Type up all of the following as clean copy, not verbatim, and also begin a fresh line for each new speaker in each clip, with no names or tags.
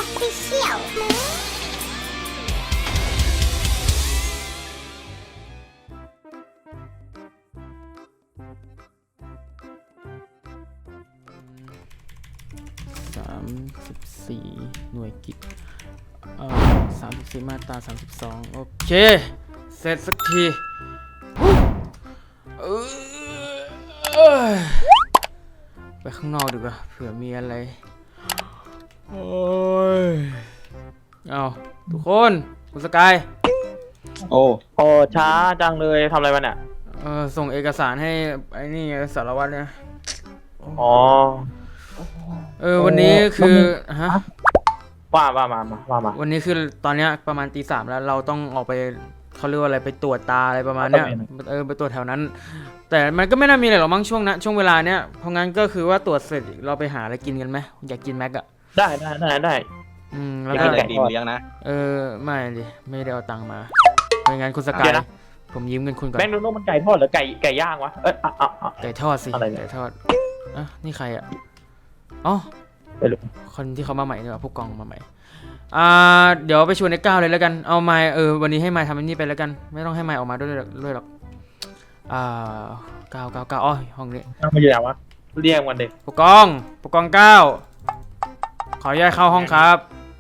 Official
34หน่วยกิจ34มาตรา32โอเคเสร็จสักทีไปข้างนอกดีกว่าเผื่อมีอะไรโอ้ยเอาทุกคนคุณสกาย
โอ้ช้าจังเลยทำอะไรมาเนี่ย
ส่งเอกสารให้ไอ้นี่สารวัตรเนี่ย
อ๋อ
วันนี้คือฮะ
ว่า
วันนี้คือตอนเนี้ยประมาณตี 3แล้วเราต้องออกไปเขาเรียกว่าอะไรไปตรวจตาอะไรประมาณเนี้ยไปตรวจแถวนั้นแต่มันก็ไม่น่ามีอะไรหรอกมั้งช่วงเวลาเนี้ยเพราะงั้นก็คือว่าตรวจเสร็จเราไปหาอะไรกินกันไหมอยากกินแม็กอะ
ได้
แล้วก็
ไก่ดิมเลี้ยงนะ
ไม่ดิไม่ได้เอาตังค์มาไม่งั้นคุณสกายผมยืมเงินคุณก่อน
แบงค์ดูโน่มันไก่ทอดหรือไก่ย่างวะ
ไก่ทอดสิไก่ทอดนี่ใครอะอ๋อคนที่เขามาใหม่เนี่ยผู้กองมาใหม่เดี๋ยวไปชวนไอ้ก้าวเลยแล้วกันเอาไมค์วันนี้ให้ไมค์ทำอันนี้ไปแล้วกันไม่ต้องให้ไมค์ออกมาด้วยหรอกก้าวอ๋อห้องนี้
มาอยู่ไหนวะเรียกวันเด็ก
ผู้กองก้าวขออนุญาตเข้าห้องครับ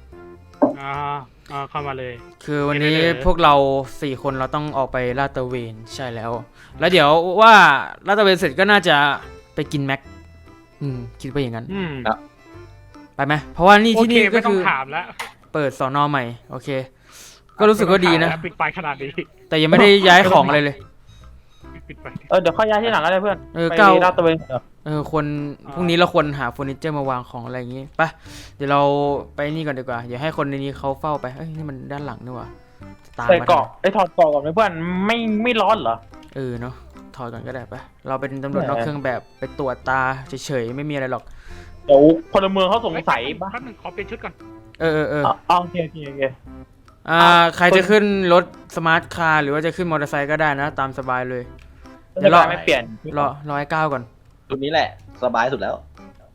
เข้ามาเลย
คือวันนี้พวกเรา4 คนเราต้องออกไปลาดตระเวนใช่แล้วเดี๋ยวว่าลาดตระเวนเสร็จก็น่าจะไปกินแม็กคิดว่าอย่างนั้นไปไหมเพราะว่านี่ที่นี่ก็คือเปิดสน.ใหม่โอเคก็รู้สึกว่าดีนะ
ปิดไฟขนาดนี้
แต่ยังไม่ได้ย้ายของอะไรเลย
เดี๋ยวค่อยย้ายที่หลังก็ได้เพื่อน
ไปลาดตระเวนคนพรุ่งนี้เราควรหาเฟอร์นิเจอร์มาวางของอะไรอย่างงี้ไปเดี๋ยวเราไปนี่ก่อนดีกว่าอย่าให้คนในนี้เขาเฝ้าไปนี่มันด้านหลังนี่หว่า
ใส่เกาะถอดเกาะก่อนไหมเพื่อนไม่ร้อนเหรอ
เนาะถอดก่อนก็ได้ไปเราเป็นตำรวจนอกเครื่องแบบไปตรวจตาเฉยๆไม่มีอะไรหรอก
เดี๋ยวพลเมืองเขาสงสัย
ป่ะแป๊บนึงขอเปลี่ยนชุดก่อน
โอเค
ใครจะขึ้นรถสมาร์ทคาร์หรือว่าจะขึ้นมอเตอร์ไซค์ก็ได้นะตามสบายเลย
เดี๋ยวไม่เปลี่ยน
รอให้ก้าวก่อน
ชุดนี้แหละสบายสุดแล้ว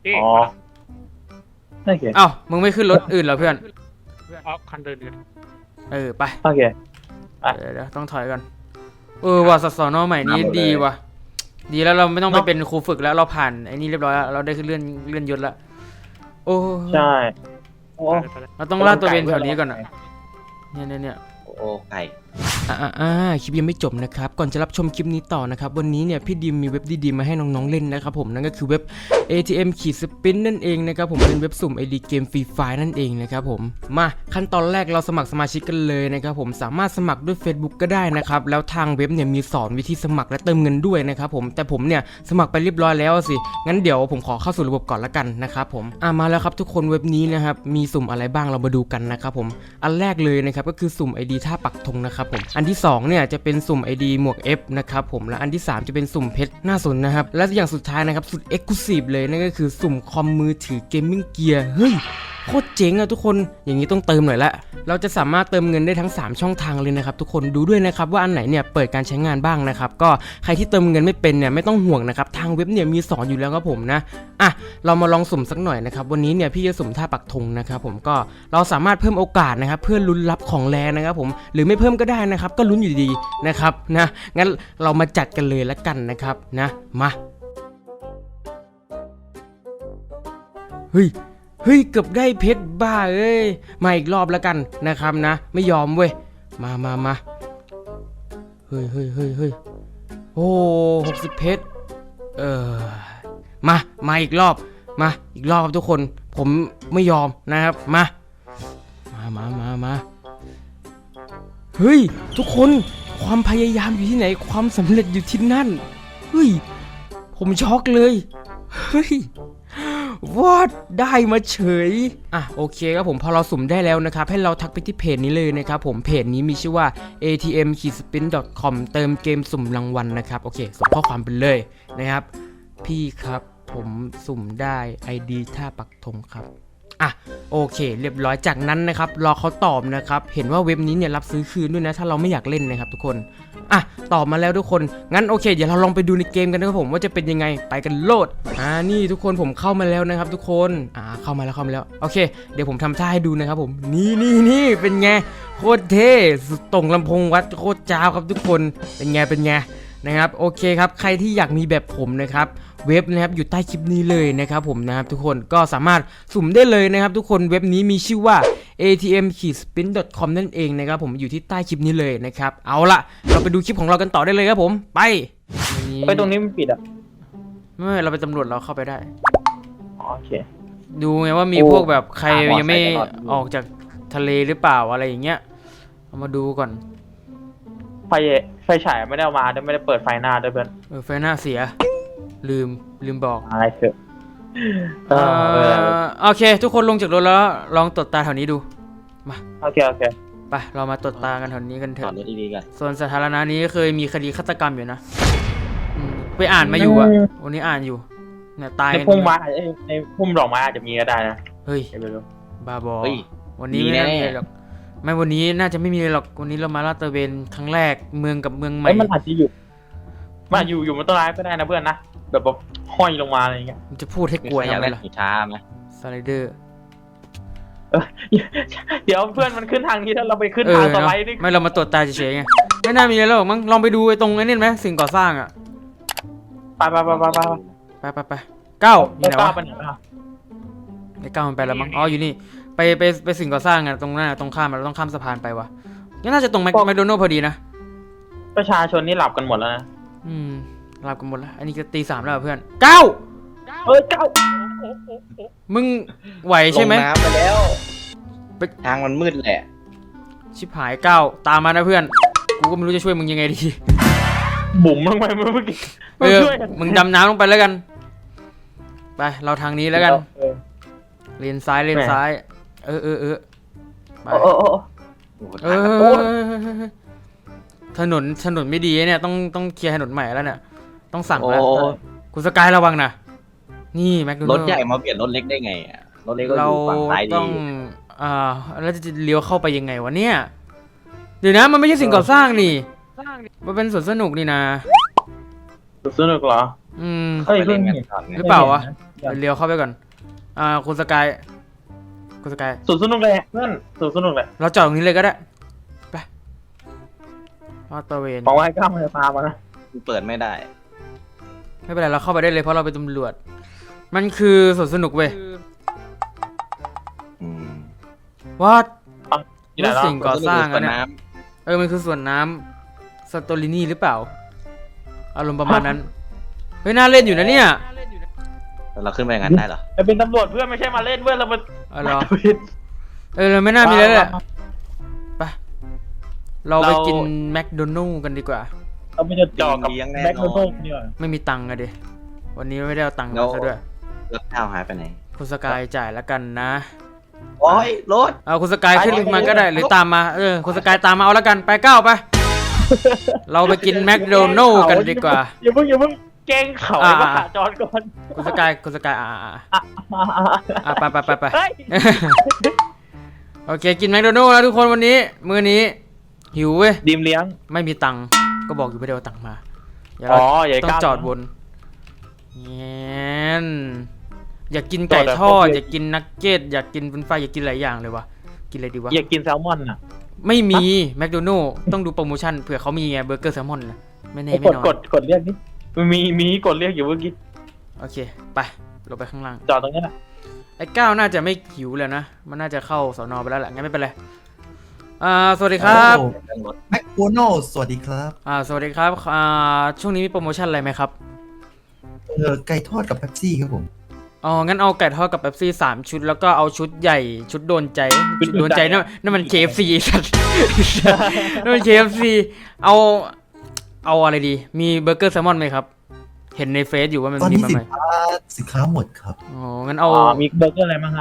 อ้าวมึงไม่ขึ้นรถอื่นเหรอเพื่อน
คันเดิน
ไป
โอเค
เดี๋ยวต้องถอยก่อนว่าสน.ใหม่นี้ดีว่ะดีแล้วเราไม่ต้องไปเป็นครูฝึกแล้วเราผ่านไอ้นี่เรียบร้อยแล้วเราได้ขึ้นเลื่อนยศแล้วโอ้
ใช่
เราต้องลาดตัวเวนแถวนี้ก่อนอ่ะเนี่ย
โอ้ไก่
คลิปยังไม่จบนะครับก่อนจะรับชมคลิปนี้ต่อนะครับวันนี้เนี่ยพี่ดิมมีเว็บดีๆมาให้น้องๆเล่นนะครับผมนั่นก็คือเว็บ ATM-Spin นั่นเองนะครับผมเป็นเว็บสุ่ม ID เกมฟรีไฟล์นั่นเองนะครับผมมาขั้นตอนแรกเราสมัครสมาชิกกันเลยนะครับผมสามารถสมัครด้วย Facebook ก็ได้นะครับแล้วทางเว็บเนี่ยมีสอนวิธีสมัครและเติมเงินด้วยนะครับผมแต่ผมเนี่ยสมัครไปเรียบร้อยแล้วสิงั้นเดี๋ยวผมขอเข้าสู่ระบบก่อนละกันนะครับผมมาแล้วครับทุกคนเว็บนี้นะครับมีสุ่มอะไรบ้างเรามาดูกันนะครับผมอันแรกเลยนะครับก็คือสุ่ม ID ท่าปักธงนะครับผมอันที่2เนี่ยจะเป็นสุ่ม ID หมวก F นะครับผมและอันที่3จะเป็นสุ่มเพชรน่าสนนะครับและอย่างสุดท้ายนะครับสุด Exclusive เลยนั่นก็คือสุ่มคอมมือถือเกมมิ่งเกียร์เฮ้ยโคตรเจ๋งอะทุกคนอย่างนี้ต้องเติมหน่อยละเราจะสามารถเติมเงินได้ทั้ง3ช่องทางเลยนะครับทุกคนดูด้วยนะครับว่าอันไหนเนี่ยเปิดการใช้งานบ้างนะครับก็ใครที่เติมเงินไม่เป็นเนี่ยไม่ต้องห่วงนะครับทางเว็บเนี่ยมีสอนอยู่แล้วครับผมนะเรามาลองสุ่มสักหน่อยนะครับวันนี้เนี่ยพี่จะสุ่มท่าปักธงนะครับผมก็เราสามารถเพิ่มโอกาสนะครับเพื่อลุ้นรับของแรงนะครับผมหรือไม่เพิ่มก็ได้นะครับก็ลุ้นอยู่ดีนะครับนะงั้นเรามาจัดกันเลยละกันนะครับนะมาเฮ้ยเกือบได้เพชรบ้ามาอีกรอบแล้วกันนะครับนะไม่ยอมเว้ยมาเฮ้ยโอ้60เพชรมาอีกรอบครับทุกคนผมไม่ยอมนะครับมาเฮ้ยทุกคนความพยายามอยู่ที่ไหนความสำเร็จอยู่ที่นั่นเฮ้ยผมช็อกเลยเฮ้ยวอดได้มาเฉยโอเคครับผมพอเราสุ่มได้แล้วนะครับให้เราทักไปที่เพจนี้เลยนะครับผมเพจนี้มีชื่อว่า atm-spin.com เติมเกมสุ่มรางวัลนะครับโอเคส่งข้อความไปเลยนะครับพี่ครับผมสุ่มได้ ID ท่าปักธงครับอ่ะโอเคเรียบร้อยจากนั้นนะครับรอเขาตอบนะครับเห็นว่าเว็บนี้เนี่ยรับซื้อคืนด้วยนะถ้าเราไม่อยากเล่นนะครับทุกคนอ่ะตอบมาแล้วทุกคนงั้นโอเคเดี๋ยวเราลองไปดูในเกมกันนะครับผมว่าจะเป็นยังไงไปกันโลดนี่ทุกคนผมเข้ามาแล้วนะครับทุกคนเข้ามาแล้วโอเคเดี๋ยวผมทำท่าให้ดูนะครับผมนี่เป็นไงโคตรเท่สุดตรงลำโพงวัดโคตรจ้าวครับทุกคนเป็นไงนะครับโอเคครับใครที่อยากมีแบบผมนะครับเว็บนะครับอยู่ใต้คลิปนี้เลยนะครับผมนะครับทุกคนก็สามารถสุ่มได้เลยนะครับทุกคนเว็บนี้มีชื่อว่า atm-spin.com นั่นเองนะครับผมอยู่ที่ใต้คลิปนี้เลยนะครับเอาละเราไปดูคลิปของเรากันต่อได้เลยครับผมไป
ตรงนี้มันปิดอ่ะ
ไม่เราเป็นตำรวจเราเข้าไปได้
โอเค
ดูไงว่ามีพวกแบบใครยังไม่ออกจากทะเลหรือเปล่าอะไรอย่างเงี้ยเอามาดูก่อน
ไฟฉายไม่ได้เอามาด้วยไม่ได้เปิดไฟหน้าด้วยเพื่อน
ไฟหน้าเสียลืมบอก
อะไรเถอะ
โอเค ทุกคนลงจากรถแล้วลองตรวจตาแถวนี้ดู
โอเค
ไปเรามาตรวจตากันแถวนี้กันเถ
จอด
อะ
รถดีๆกัน
ส่วนสาธารณะนี้เคยมีคดีฆาตกรรมอยู่นะไปอ่านมาอยู่อะวันนี้อ่านอยู่เนี่ยตาย
ในพุ่มไม้ในพุ่มดอกไม้อาจจะมีก็ได้นะ
เฮ้ย
ไม่รู้
บ้าบอ
เฮ้ย
วันนี้ไม่น่ามีอะไรหรอกไม่วันนี้น่าจะไม่มีอะไรหรอกวันนี้เรามาลาดตระเวนครั้งแรกเมืองกับเมืองใหม่
มันอาจจะอยู่บนต้นไม้ก็ได้นะเพื่อนนะแบบห้อยลงมาอะไรอย่างเงี้ย
มันจะพูดให้
มี
กลัว
ใครอยาก
ทำไม
เล่น
ล่ะ
หินช้าไหม
สไลเดอร์
เดี๋ยวเพื่อนมันขึ้นทางนี้แล้วเราไปขึ้นทางสไลด์นี่
ไม่เรามาตรวจตาเฉยๆไงไม่น่ามีอะไรหรอกมั้งลองไปดูไอ้ตรงไอ้นี่ไหมสิ่งก่อสร้างอะ
ไป
ไปเก้าอยู่ไหน
กล้าว
ะ
ไปไหนอ่ะ
ไอ้เก้ามันไปแล้วมั้งอ๋ออยู่นี่ไปสิ่งก่อสร้างอะตรงนั้นตรงข้ามเราต้องข้ามสะพานไปวะนี่น่าจะตรงแมคโดนัลด์พอดีนะ
ประชาชนนี่หลับกันหมดแล้วนะ
หลับกันหมดแล้วอันนี้ก็ตี 3แล้วเพื่อนเก้า
เก้า
มึงไหวใช่ไหม
ลงน้ำไปแล้ว
ไป
ทางมันมืดแหละ
ชิบหายเก้าตามมานะเพื่อนกูก็ไม่รู้จะช่วยมึงยังไงดี
บุ๋มลงไปเมื่อกี้
มึงดำน้ำลงไปแล้วกันไปเราทางนี้แล้วกันเลนซ้ายไป
โอ้โห
เอ
ทางกระ
อ
โปง
ถนนไม่ดีเนี่ยต้องเคลียร์ถนนใหม่แล้วเนี่ยต้องสั่ง
โอ้
แล้วคุณสกายระวังนะนี่แมคโดนั
ร
ล
ถ
ด์
ใหญ่มาเปลี่ยนรถเล็กได้ไงอ่ะรถเล็กก็อ
เรา
ยู่ฝั่งซ้ายดี
ต้องแล้วจะเลี้ยวเข้าไปยังไงวะเนี่ยเดี๋ยวนะมันไม่ใช่สิ่งก่อสร้างนี่มันเป็นสวนสนุกนี่นะ
สนุกเหรอ
ไปเล่นกันก่อนไง
หรือเปล่าวะเลี้ยวเข้าไปก่อนคุณสกาย
สวนสนุกเลยเพื่อนสวนสนุกเลย
เราจอดตรงนี้เลยก็ได้ไปลาดตระเวน
บอกว่าให้ก้าวมันจะตามมานะ
เปิดไม่ได้
ไม่เป็นไรเราเข้าไปได้เลยเพราะเราเป็นตำรวจมันคือสวนสนุกเว้ย
อืม
ว่า
ที่ไหน
แล้ว
เนาะ
สิ่งก่อสร้าง
สว
อะ
น
เนี่ย
น้
มันคือสวนน้ำสตอรินีหรือเปล่าอารมณ์ประมาณนั้นเฮ้ยน่าเล่นอยู่นะเนี่ย
ำแล้วเราขึ้นไปอย่างนั้นได้เหรอ
เราเป็นตำรวจเพื่อนไม่ใช่มาเล่นเพื่อนเราเป็น
เอาเหรอเราไม่น่ามีแล้วแหละไปเราไปกินแมคโดนัลด์กันดีกว่า
เราไม่จะจ่อกับแบ็คโนโต้เนี่ย
ไม่มีตังค์อะดิวันนี้ไม่ได้เอาตังค์มาซะด้วย
รถข้าวหายไปไหน
คุณสกายจ่ายแล้วกันนะ
โอ้ยรถ
เอาคุณสกายขึ้นมาก็ได้หรือตามมาคุณสกายตามมาเอาแล้วกันไปก้าวไป เราไปกินแมคโดนัลด์กันดีกว่า
อย่าเพิ่งเก่งเขาไอ้บ้าจอดก่อน
คุณสกายไป
เฮ้ย
โอเคกินแมคโดนัลด์แล้วทุกคนวันนี้มื้อนี้หิวเว้ย
ดีมเลี้ยง
ไม่มีตังค์ก็บอกอยู่ไม่ได้เอาตังค์มาเดี๋ยว
อ๋
เรา
ออย่า
ต้อง
ก้าว
จอดบนแง้นอยากกินไก่ทอดอยากกินนักเก็ตอยากกินเป็นไฟอยากกินหลายอย่างเลยวะกินอะไรดีวะ
อยากกินแซลมอนอ่ะ
ไม่มีแมคโดนัลด์ต้องดูโปรโมชั่นเผื่อเขามีไงเบอร์เกอร์แซลมอนนะไม่แน่ไม่นอน
กดเรียกนี่มีกดเรียกอยู่เมื่อกี้
โอเคไปลงไปข้างล่าง
จอดตรงนี้แหละ
ไอ้ก้าวน่าจะไม่หิวแล้วนะมันน่าจะเข้าสน.ไปแล้วแหละงั้นไม่เป็นไรสวัสดีครับ
แมคโดนัลด์สวัสดีครับ
สวัสดีครับช่วงนี้มีโปรโมชั่นอะไรไหมครับ
ไก่ทอดกับเป๊ปซี่ครับผม
อ๋องั้นเอาไก่ทอดกับเป๊ปซี่3 ชุดแล้วก็เอาชุดใหญ่ชุดโดนใจชุดโดนใจนั่นมัน KFC สัตว์ นั่นมัน KFC เอาอะไรดีมีเบอร์เกอร์แซลมอนไหมครับเห็นในเฟซอยู่ว่ามัน
ตอน
มี
นี้
มา
สิ
ให
น
ม่
ค้าหมดครับ
อ๋องั้นเอา
มีเบอร์เกอร์อะไรบ้างฮะ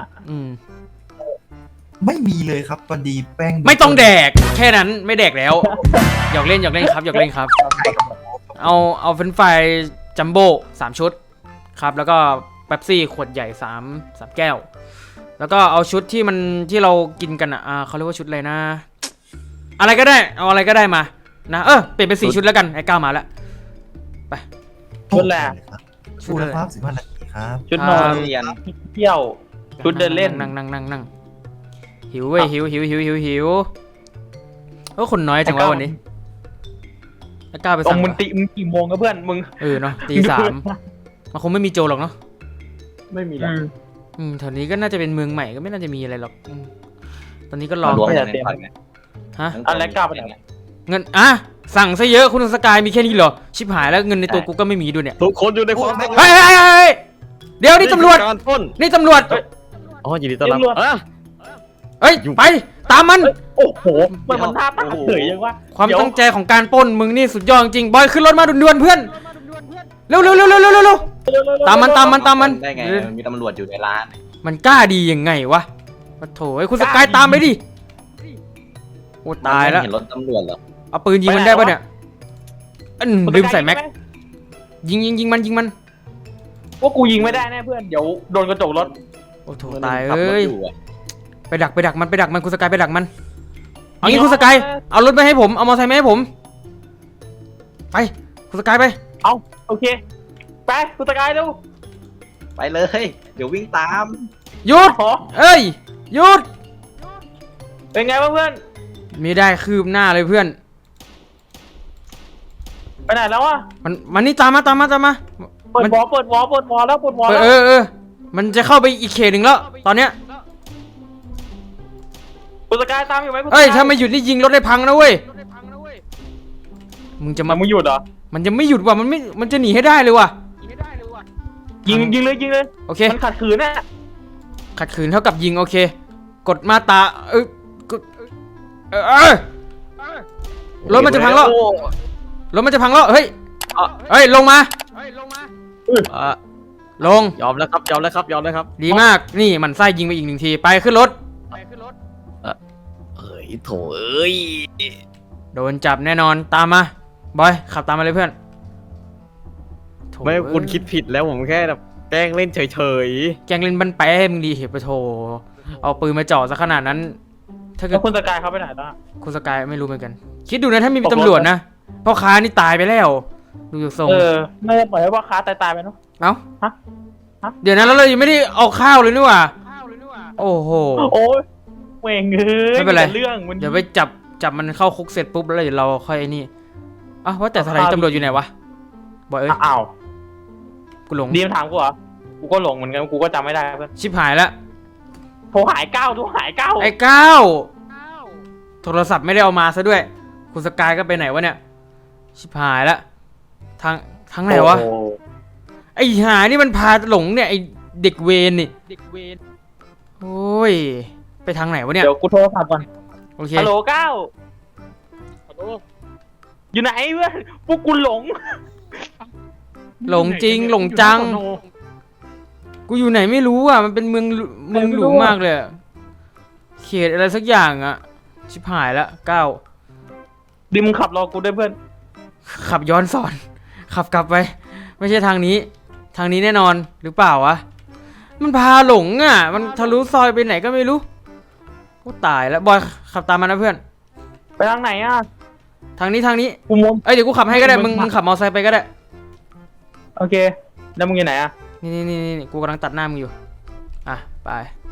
ไม่มีเลยครับพอดีแป้ง
ไม่ต้องแดกแค่นั้นไม่แดกแล้วหยอกเล่นครับหยอกเล่นครับเอาเฟรนช์ฟรายจัมโบ้3 ชุดครับแล้วก็เป๊ปซี่ขวดใหญ่3 แก้วแล้วก็เอาชุดที่ที่เรากินกันอ่ะเขาเรียกว่าชุดอะไรนะ อะไรก็ได้เอาอะไรก็ได้มานะเปลี่ยนเป็น4ชุดแล้วกันไอ้ก้าวมาแล้วไป
ชุดแรก
ชุดละครับ15 นาทีครับ
ชุดนอน
เรียน
เที่ยว ชุดเดินเล่น
นั่งหิวเว้ยหิวคนน้อยจังวะวันนี้ไอ้ก้าวไป
ตร
สั่
ง
ง
มึงกี่โมงกับเพื่อนมึง
เนาะตี 3มันคงไม่มีโจรหรอกเนาะ
ไม่มีหรอก
แถวนี้ก็น่าจะเป็นเมืองใหม่ก็ไม่น่าจะมีอะไรหรอกตอนนี้ก็รอ
รวม
ไม่
กัน
ได้
ใน
เตรียม
พอร์ตไง
ฮะ
อะไรกล้าไปไหน
เงินสั่งซะเยอะคุณสกายมีแค่นี้เหรอชิบหายแล้วเงินในตัวกูก็ไม่มีด้วยเนี่ย
ทุกคนอยู่ในความ
เฮ้ยเดี๋ยวนี่ตำรวจ
การปล้น
นี่ตำรวจ
อ๋อยินดีต้อนรับอ่ะ
เฮ้ยไปตามมัน
โอ้โหมันท่าตาเฉยยังวะ
ความตั้งใจของการปล้นมึงนี่สุดยอดจริงบอยขึ้นรถมาด่วนๆเพื่อนเร็วตามมัน
ได้ไงมีตำรวจอยู่ในร้าน
มันกล้าดียังไงวะปะโถไอ้คุณสกายตามไปดิโอ้ตายแล้ว
เห็นรถตำรวจเหรอ
เอาปืนยิงมันได้ปะเนี่ยลืมใส่แม็กยิงมัน
ว่ากูยิงไม่ได้แน่เพื่อนเดี๋ยวโดนกระจกรถ
โอ้โถตาย
ขับรถ
เอ้ย
อยู่อะ
ไปดักมันคุณสกายไปดักมันเอางี้คุณสกายเอารถไปให้ผมเอามอเตอร์ไซค์มาให้ผมไปคุณสกายไป
เอาโอเคไปกูตะกายเร็ว
ไปเลย เดี๋ยววิ่งตาม
หยุด
ขอ
เอ้ยหยุด
เป็นไงบ้างเพื่อน
ไม่ได้คืบหน้าเลยเพื่อน
ไปไหนแล้วอ่ะ
มันนี่ตามมา
เปิดวอแล้วเปิดวอแล้ว
มันจะเข้าไปอีกเขตหนึ่งแล้วตอนเนี้ย
กูตะกายตามอยู่ไหม
เอ้ยถ้าไม่หยุดนี่ยิงรถได้พังนะเว้ยมึงจะ
มั
มาน
มึงหยุดเหรอ
มันจะไม่หยุดว่ะมันจะหนีให้ได้เลยว่ะ
ยิงเลย
โอเค
มันขัดขืนน่ะ
ขัดขืนเท่ากับยิงโอเค กดมาตรากดรถมันจะพังแล้วเฮ้ยลงมา
อ่ะ
ลง
ยอมแล้วครับ
ดีมากนี่มันไส้ยิงไปอีก1 ทีไปขึ้นรถ
เอ้ยโถเอ้ย
โดนจับแน่นอนตามมาบอยขับตามมาเลยเพื่อนโถ่
ไม่คุณคิดผิดแล้วผมแค่แบบแกล้งเล่นเฉย
แกงเล่นบันแปะให้มึงดีเหตุปะโถเอาปืนมาจ่อซะขนาดนั้น ถ้าเกิ
แล้
ด
วคุณตะกายเขาไปไหนล่ะ
คุณสกายไม่รู้เหมือนกัน คิดดูนะถ้ามีตำรวจนะพ่อค้านี่ตายไปแล้ว ดูจากทรง
ไม่ได้ปล่อยให้ว่าค้าตายไปเนาะ
เอ้า
ฮะ
เดี๋ยวนะแล้วเรายังไม่ได้เอาข้าวเลยนี่หว่าโอ้โห
โอ้ยเวงเอ้ย
ไม่เป็นไร
เรื่องมัน
เดี๋ยวไปจับมันเข้าคุกเสร็จปุ๊บแล้วเดี๋ยวเราค่อยไอ้นี่อ้าวว่าแต่สถานีตำรวจอยู่ไหนวะบอยเอ้ย
อ้าว
กูหลง
ดีมถามกูเหรอกูก็หลงเหมือนกันกูก็จำไม่ได้เพื่อน
ชิบหายแล้ว
โทรหายเก้า
ไอ้ก้าวโทรศัพท์ไม่ได้เอามาซะด้วย คุณสกายก็ไปไหนวะเนี่ยชิบหายแล้วทางไหนวะ
โอ้
ไอ้หานี่มันพาหลงเนี่ยไอ้เด็กเวรนี่โอ้ยไปทางไหนวะเนี่ย
เดี๋ยวกูโทรศัพท์ก่อน
โอเค
ฮัลโหลเก้าอยู่ไหนเพื่อนพวกกูหลง
หลงจริงหลงจัง กูอยู่ไหนไม่รู้อ่ะมันเป็นเมืองหลวงมากเลยอะเขตอะไรสักอย่างอ่ะชิบหายละก้าว
ดิมงขับรอกูด้วยเพื่อน
ขับย้อนสอนขับกลับไป ไม่ใช่ทางนี้แน่นอนหรือเปล่าวะมันพาหลงอ่ะมันทะลุซอยไปไหนก็ไม่รู้กูตายแล้วบอยขับตามมานะเพื่อน
ไปทางไหนอ่ะ
ทางนี้
กูมอง
เอ้ยเดี๋ยวกูขับให้ก็ได้มึงขับมอเตอร์ไซค์ไปก็ได้
โอเคแล้วมึงอยู่ไหนอ่ะ
นี่กูกำลังตัดหน้ามึงอยู่อ่ะไป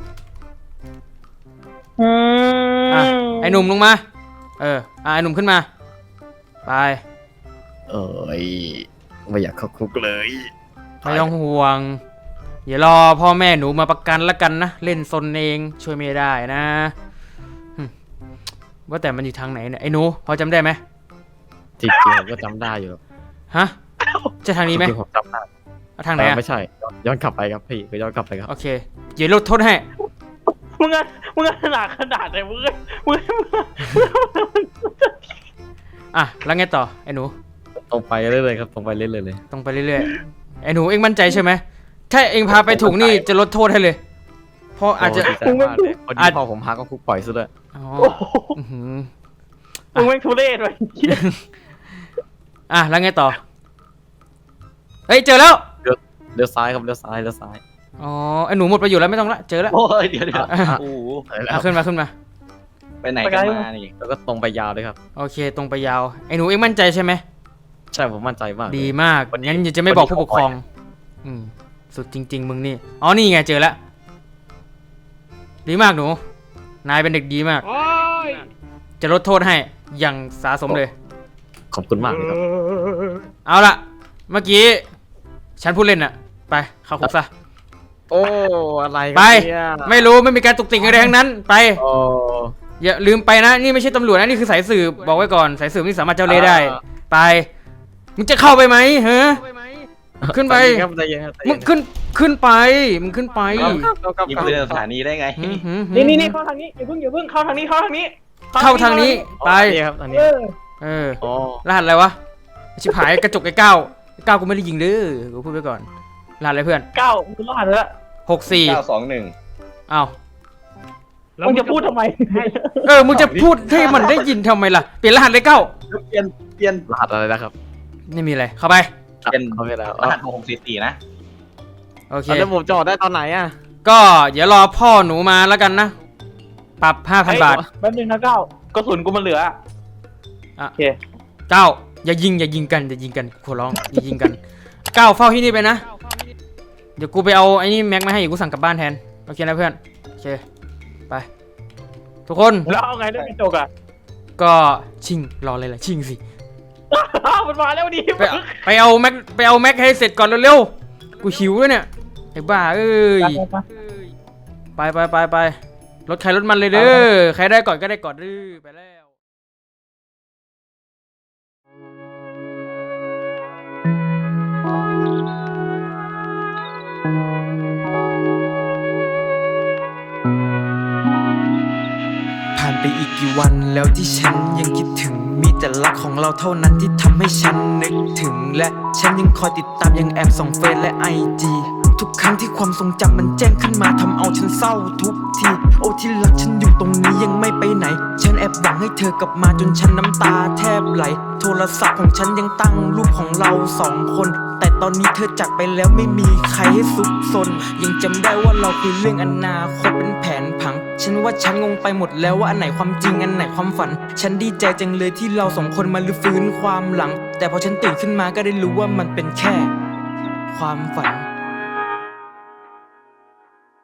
อ่ะไอ้หนุ่มลงมาไอ้หนุ่มขึ้นมาไป
ๆเอ้ยไม่อยากเข้าคุกเลย
ไม่ต้องห่วงอย่ารอพ่อแม่หนูมาประกันละกันนะเล่นซนเองช่วยไม่ได้นะว่าแต่มันอยู่ทางไหนเนี่ยไอ้หนูพอจำได้ไหม
จริงๆผมก็จำได้อยู่
ฮะจะทางนี้ไหม
จริงๆผมจำได้
เอาทางไหนอะ
ไม่ใช่ย้อนกลับไปครับพี่ก็ย้อนกลับไปครับ
โอเคเดี๋ยวลดโทษให้
มึงขนาดไหนมึง
อ่ะแล้วไงต่อไอ้หนู
ตรงไปเรื่อยๆครับตรงไปเรื่อยๆเลย
ตรงไปเรื่อยๆไอ้หนูเอ็งมั่นใจใช่ไหมถ้าเอ็งพาไปถูกนี่จะลดโทษให้เลยเพราะอาจจะ
โดีใจมากเลยคนที่พ่อผมพาก็คุกปล่อยซะด้วย
อ๋อ
โอ้โห
อื้อหือ
มึงแม่งทุเรศเลย
แล้วไงต่อเฮ้ยเจอแล้ว
เลี้ยวซ้ายครับเลี้ยวซ้าย
อ๋อไอหนูหมดประโยชน์แล้วไม่ต้องละเจอแล้ว
โอ้ยเดี๋ยวโอ้โห
เอาขึ้นมาขึ้นมา
ไปไหนกันมานี่
แล้วก็ตรงไปยาวเลยครับ
โอเคตรงไปยาวไอหนูเอ็งมั่นใจใช่ไหม
ใช่ผมมั่นใจมากเลย
ดีมาก
วันนี้
งั้นอย่าจะไม่บอกผู้ปกครอง
วันนี้
สุดจริง ๆ มึงนี่อ๋อนี่ไงเจอแล้วดีมากหนูนายเป็นเด็กดีมาก
โอ้ย
จะลดโทษให้อย่างสาสมเลย
ขอบคุณมากเลยครับ
เอาล่ะเมื่อกี้ฉันพูดเล่นอะไปเข้าคุกซะ
โอ้อะไรกัน
ไป
เนี่ย
ไม่รู้ไม่มีการตุกติกอะไรทั้งนั้นไป
โอ้
อย่าลืมไปนะนี่ไม่ใช่ตำรวจนะนี่คือสายสืบบอกไว้ก่อนสายสืบนี่สามารถเจ้าเล่ห์ได้ไปมึงจะเข้าไปไหมฮะขึ้นไป
ใจเย็ครับใจเย็นครับใจ
มึ
เย็
งขึ้นไปมึงขึ้นไป
ครับ
ยิงปืนในสถานีได้ไง
นี่เข้าทางนี้อย่าเพิ่งเข้าทางนี้เข้าทางนี้
เข้าทางนี้ไป
ครับอันนี้
เออ
อ๋อ
รหัสอะไรวะชิบหายกระจกไอ้เก้ากูไม่ได้ยิงเด้อกูพูดไปก่อนรหัสอะไรเพื่อน
เก้ามึงรหัสแล้ว
921
อ้าว
มึงจะพูดทำไม
มึงจะพูดให้มันได้ยินทำไมล่ะเปลี่ยนรหัสเลยเก้า
เปลี่ยน
รหัสอะไรนะครับ
ไม่มีอะไรเข้าไป
เป็น
เขาไปแล้ว
รหัส6644นะ
โอเค
แล้วผมจะออกได้ตอนไหนอ่ะ
ก็เดี๋ยวรอพ่อหนูมาแล้วกันนะปรับ 5,000 บาท
แป๊บนึงนะเก้ากระสุนกูมันเหลือโอเค
เก้าอย่ายิงกันขอร้องอย่ายิงกันเก้าเฝ้าที่นี่ไปนะเดี๋ยวกูไปเอาไอ้นี่แม็กมาให้อีกกูสั่งกลับบ้านแทนโอเคนะเพื่อนโอเคไปทุกคน
แล้วเอาไงด้วยกระจกอ่ะ
ก็ชิงรอเลยล่ะชิงสิ
มันมาแล้วดิ
ไปเอาแม็กให้เสร็จก่อนเร็วๆกูหิวด้วยเนี่ยไอ้บ้าเอ้ยไปรถใครรถมันเลยเด้อใครได้ก่อนก็ได้ก่อนเด้อไปแล้ว
ผ่านไปอีกกี่วันแล้วที่ฉันยังคิดถึงมีแต่รักของเราเท่านั้นที่ทำให้ฉันนึกถึงและฉันยังคอยติดตามยังแอบส่องเฟซและ IG ทุกครั้งที่ความทรงจำมันแจ้งขึ้นมาทำเอาฉันเศร้าทุกทีโอ้ที่รักฉันอยู่ตรงนี้ยังไม่ไปไหนฉันแอบหวังให้เธอกลับมาจนฉันน้ำตาแทบไหลโทรศัพท์ของฉันยังตั้งรูปของเราสองคนแต่ตอนนี้เธอจากไปแล้วไม่มีใครให้ซุกซนยังจำได้ว่าเราคุยเรื่องอนาคตเป็นแผนผังฉันว่าฉันงงไปหมดแล้วว่าอันไหนความจริงอันไหนความฝันฉันดีใจจังเลยที่เราสองคนมาลื้อฟื้นความหลังแต่พอฉันตื่นขึ้นมาก็ได้รู้ว่ามันเป็นแค่ความฝัน